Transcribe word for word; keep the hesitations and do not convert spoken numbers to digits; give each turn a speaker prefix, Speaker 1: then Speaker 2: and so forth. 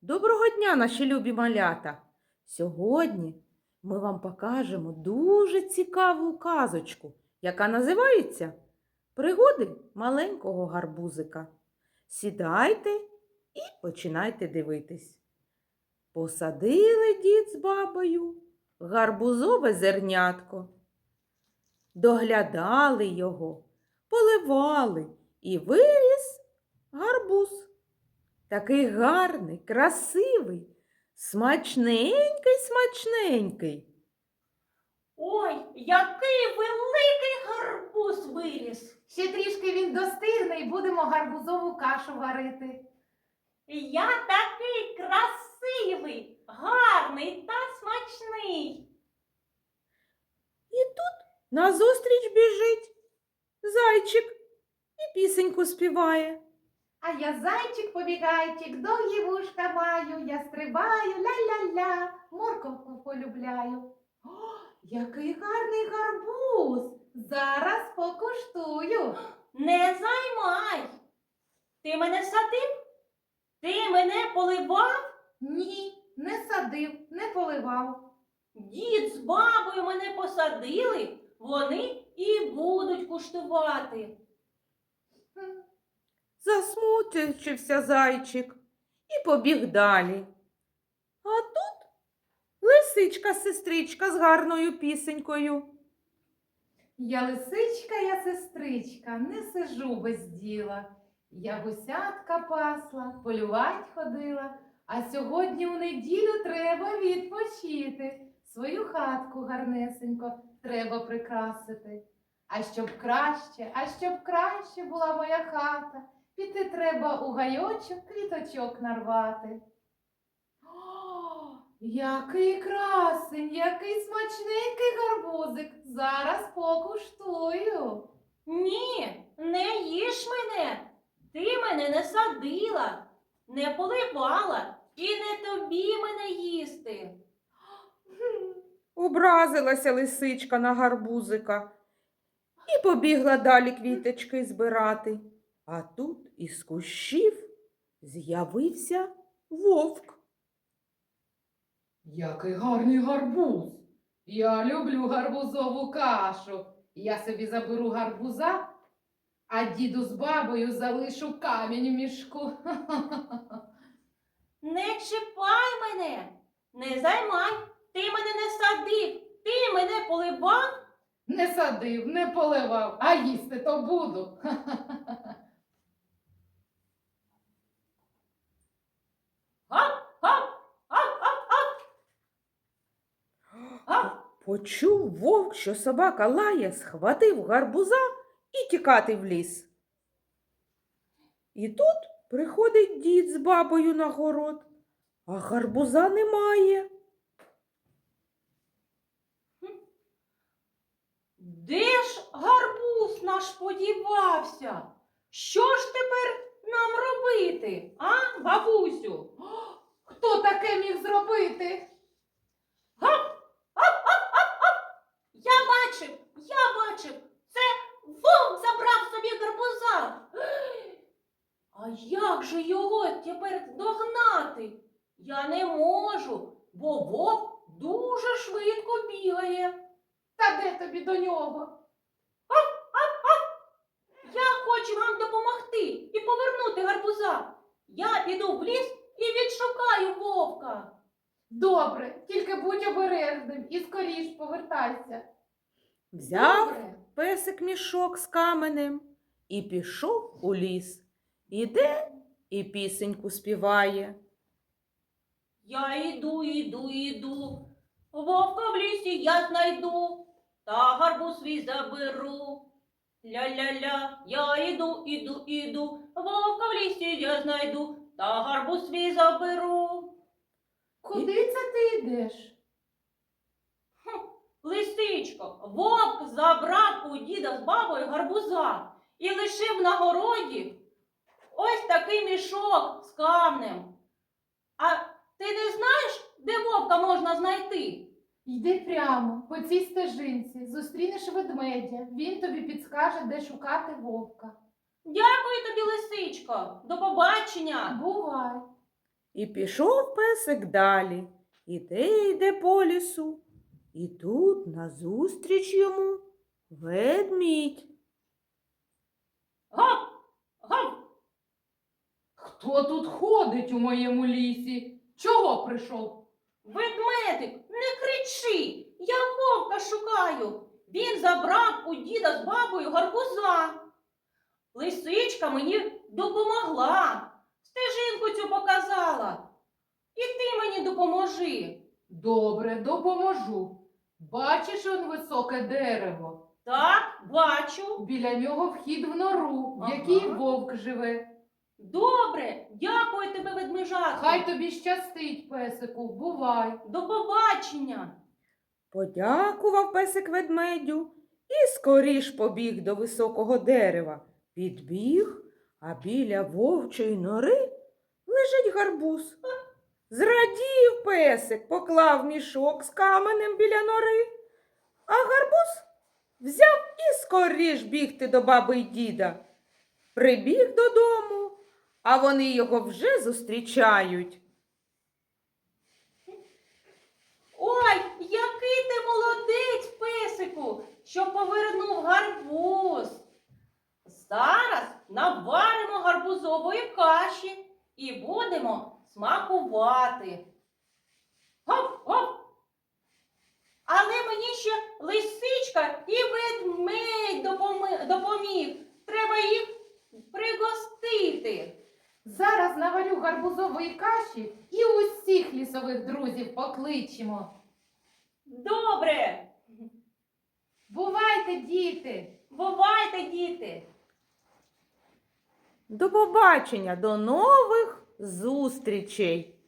Speaker 1: Доброго дня, наші любі малята! Сьогодні ми вам покажемо дуже цікаву казочку, яка називається «Пригоди маленького гарбузика». Сідайте і починайте дивитись. Посадили дід з бабою гарбузове зернятко. Доглядали його, поливали і виріс гарбуз. Такий гарний, красивий, смачненький, смачненький.
Speaker 2: Ой, який великий гарбуз виріс!
Speaker 3: Ще трішки він достигне і будемо гарбузову кашу варити.
Speaker 2: Я такий красивий, гарний та смачний.
Speaker 1: І тут назустріч біжить зайчик і пісеньку співає.
Speaker 3: А я зайчик побігайчик, довгі вушка маю, я стрибаю, ля-ля-ля, морковку полюбляю. О, який гарний гарбуз! Зараз покуштую.
Speaker 2: Не займай. Ти мене садив? Ти мене поливав?
Speaker 3: Ні, не садив, не поливав.
Speaker 2: Дід з бабою мене посадили, вони і будуть куштувати.
Speaker 3: Хм.
Speaker 1: Засмутився зайчик і побіг далі. А тут лисичка-сестричка з гарною пісенькою.
Speaker 3: Я лисичка, я сестричка, не сижу без діла. Я гусятка пасла, полювать ходила, а сьогодні у неділю треба відпочити. Свою хатку гарнесенько треба прикрасити. А щоб краще, а щоб краще була моя хата, піти треба у гайочок квіточок нарвати. О, який красень, який смачненький гарбузик. Зараз покуштую.
Speaker 2: Ні, не їж мене. Ти мене не садила, не поливала і не тобі мене їсти.
Speaker 1: Образилася лисичка на гарбузика і побігла далі квіточки збирати. А тут із кущів з'явився вовк.
Speaker 3: Який гарний гарбуз. Я люблю гарбузову кашу. Я собі заберу гарбуза, а діду з бабою залишу камінь в мішку.
Speaker 2: Не чіпай мене, не займай. Ти мене не садив, ти мене поливав.
Speaker 3: Не садив, не поливав, а їсти то буду.
Speaker 2: Гап, гап, гап, гап, гап. Гап.
Speaker 1: Почув вовк, що собака лає, схватив гарбуза і тікати в ліс. І тут приходить дід з бабою на город, а гарбуза немає.
Speaker 2: Де ж гарбуз наш подівався? Що ж тепер нам робити, а, бабусю?
Speaker 3: Хто таке міг зробити?
Speaker 2: Гап, гап, гап, гап, гап. Я бачив, я бачив, це вовк забрав собі гарбуза. А як же його тепер догнати? Я не можу, бо вовк дуже швидко бігає.
Speaker 3: Та де тобі до нього?
Speaker 2: Я хочу вам допомогти і повернути гарбуза. Я піду в ліс і відшукаю вовка.
Speaker 3: Добре, тільки будь обережним і скоріш повертайся.
Speaker 1: Взяв
Speaker 3: Добре.
Speaker 1: песик мішок з каменем і пішов у ліс. Іде і пісеньку співає.
Speaker 2: Я іду, іду, іду, вовка в лісі я знайду, та гарбуз свій заберу. Ля-ля-ля, я іду, іду, іду, вовка в лісі я знайду, та гарбуз свій заберу.
Speaker 3: Куди це ти йдеш?
Speaker 2: Лисичко, вовк забрав у діда з бабою гарбуза і лишив на городі ось такий мішок з камнем. А ти не знаєш, де вовка можна знайти?
Speaker 3: Йди прямо по цій стежинці, зустрінеш ведмедя, він тобі підскаже, де шукати вовка.
Speaker 2: Дякую тобі, лисичко. До побачення.
Speaker 3: Бувай.
Speaker 1: І пішов песик далі. Іде, йде по лісу. І тут назустріч йому ведмідь.
Speaker 2: Гав! Гав!
Speaker 3: Хто тут ходить у моєму лісі? Чого прийшов?
Speaker 2: Ведмедик, не кричи! Я вовка шукаю. Він забрав у діда з бабою гарбуза. Лисичка мені допомогла. Стежинку цю показала. І ти мені допоможи.
Speaker 3: Добре, допоможу. Бачиш он високе дерево?
Speaker 2: Так, бачу.
Speaker 3: Біля нього вхід в нору, в
Speaker 2: Ага.
Speaker 3: якій вовк живе.
Speaker 2: Добре, дякую тебе, ведмежатко.
Speaker 3: Хай тобі щастить, песику, бувай.
Speaker 2: До побачення.
Speaker 1: Подякував песик ведмедю і скоріш побіг до високого дерева. Підбіг, а біля вовчої нори лежить гарбуз. Зрадів песик, поклав мішок з каменем біля нори, а гарбуз взяв і скоріш бігти до баби й діда. Прибіг додому, а вони його вже зустрічають.
Speaker 2: Ой, який ти молодець, песику, що повернув гарбуз. Зараз наваримо гарбузової каші і будемо смакувати. Гав, гав. Але мені ще лисичка і ведмедь допоми- допоміг. Треба їх пригостити.
Speaker 3: Зараз наварю гарбузової каші і усіх лісових друзів покличемо.
Speaker 2: Добре,
Speaker 3: Бувайте, діти!
Speaker 2: бувайте, діти.
Speaker 1: До побачення, до нових зустрічей!